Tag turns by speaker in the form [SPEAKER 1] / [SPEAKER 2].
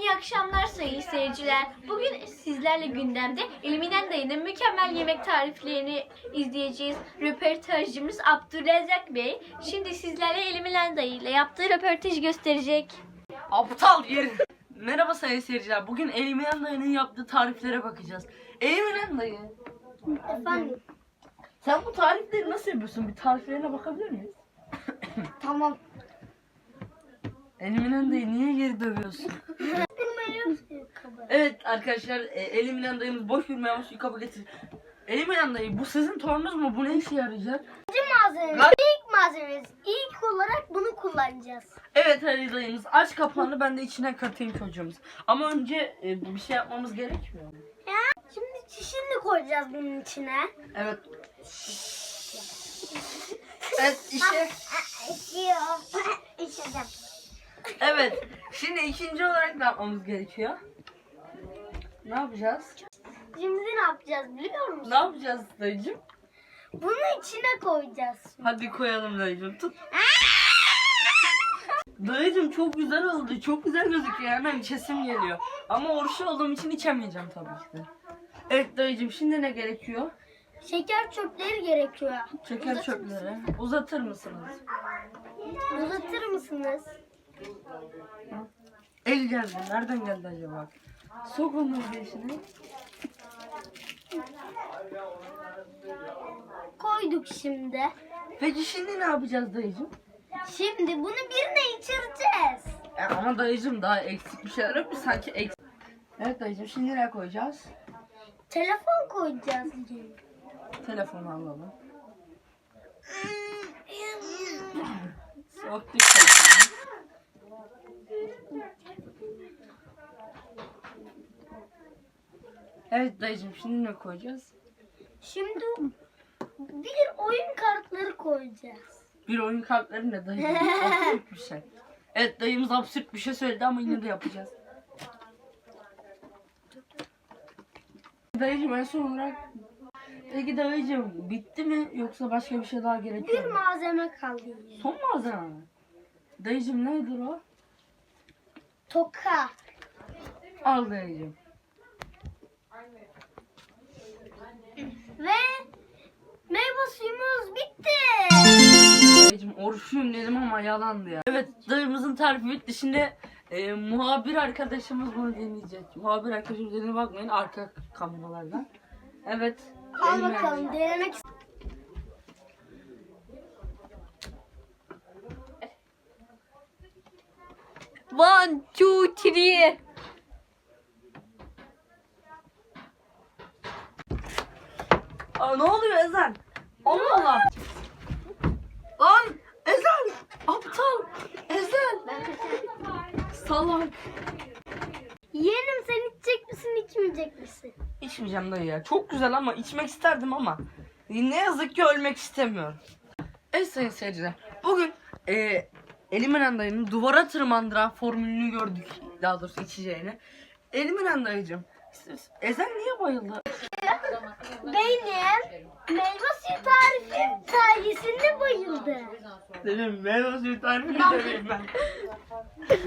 [SPEAKER 1] İyi akşamlar sayın seyirciler. Bugün sizlerle gündemde Eliminen Dayı'nın mükemmel yemek tariflerini izleyeceğiz. Röportajcımız Abdurrezzak Bey şimdi sizlere Eliminen Dayı ile yaptığı röportajı gösterecek.
[SPEAKER 2] Aptal yer. Merhaba sayın seyirciler. Bugün Eliminen Dayı'nın yaptığı tariflere bakacağız. Eliminen Dayı.
[SPEAKER 1] Efendim?
[SPEAKER 2] Sen bu tarifleri nasıl yapıyorsun? Bir tariflerine bakabilir miyiz?
[SPEAKER 1] Tamam.
[SPEAKER 2] Eliminen Dayı niye geri dövüyorsun? Evet arkadaşlar, Eliminen Dayımız boş bir meyve suyu kabul getir. Eliminen Dayı, bu sizin torununuz mu? Bu ne işe yarayacak?
[SPEAKER 1] İlk malzememiz. İlk olarak bunu kullanacağız.
[SPEAKER 2] Evet Ali dayımız, aç kapağını, ben de içine katayım çocuğumuz. Ama önce bir şey yapmamız gerekmiyor mu?
[SPEAKER 1] Şimdi çişini koyacağız bunun içine.
[SPEAKER 2] Evet. Evet işte. Evet. Şimdi ikinci olarak ne yapmamız gerekiyor? Ne yapacağız?
[SPEAKER 1] Şimdi ne yapacağız biliyor musun?
[SPEAKER 2] Ne yapacağız dayıcım?
[SPEAKER 1] Bunu içine koyacağız.
[SPEAKER 2] Hadi koyalım dayıcım, tut. Dayıcım çok güzel oldu. Çok güzel gözüküyor. Hemen içesim geliyor. Ama oruçlu olduğum için içemeyeceğim tabii ki de. Evet dayıcım, şimdi ne gerekiyor?
[SPEAKER 1] Şeker çöpleri gerekiyor.
[SPEAKER 2] Şeker çöpleri. Uzatır mısınız?
[SPEAKER 1] Uzatır mısınız?
[SPEAKER 2] El geldi. Nereden geldi acaba? Sok onları içine.
[SPEAKER 1] Koyduk şimdi.
[SPEAKER 2] Peki şimdi ne yapacağız dayıcım?
[SPEAKER 1] Şimdi bunu birine içireceğiz.
[SPEAKER 2] Ama dayıcım daha eksik bir şeyler yok mu? Sanki eksik. Evet dayıcım, şimdi ne koyacağız?
[SPEAKER 1] Telefon koyacağız.
[SPEAKER 2] Telefonu alalım. Soktuk telefonu. Evet dayıcım, şimdi ne koyacağız?
[SPEAKER 1] Şimdi bir oyun kartları koyacağız.
[SPEAKER 2] Bir oyun kartları ne dayıcım? Absürt bir şey. Evet dayımız absürt bir şey söyledi ama yine de yapacağız. Dayıcım en son olarak, peki dayıcım bitti mi yoksa başka bir şey daha gerekiyor
[SPEAKER 1] Bir
[SPEAKER 2] mu?
[SPEAKER 1] malzeme kaldı.
[SPEAKER 2] Son malzeme mi? Dayıcım nedir o?
[SPEAKER 1] Toka.
[SPEAKER 2] Al dayıcım.
[SPEAKER 1] Ve meyve suyumuz bitti.
[SPEAKER 2] Dayıcım oruçluyum dedim ama yalandı ya. Evet dayımızın tarifi bitti. Şimdi muhabir arkadaşımız bunu dinleyecek. Muhabir arkadaşımız dediğine bakmayın, arka kameralardan. Evet.
[SPEAKER 1] Al
[SPEAKER 2] elime-
[SPEAKER 1] bakalım denemek.
[SPEAKER 3] One, two, three.
[SPEAKER 2] Aa, ne oluyor Ezan? Allah Allah. Lan Ezan. Aptal. Ezan. Salak.
[SPEAKER 1] Yeğenim sen içecek misin içmeyecek misin?
[SPEAKER 2] İçmeyeceğim dayı ya. Çok güzel ama içmek isterdim ama ne yazık ki ölmek istemiyorum. Evet sayın seyirciler. Bugün Eliminen dayının duvara tırmandıran formülünü gördük. Daha doğrusu içeceğini. Eliminen dayıcım, Ezen niye bayıldı?
[SPEAKER 1] Benim meyve suyu tarifim sayesinde bayıldı.
[SPEAKER 2] Dedim meyve suyu tarifini deneyim ben.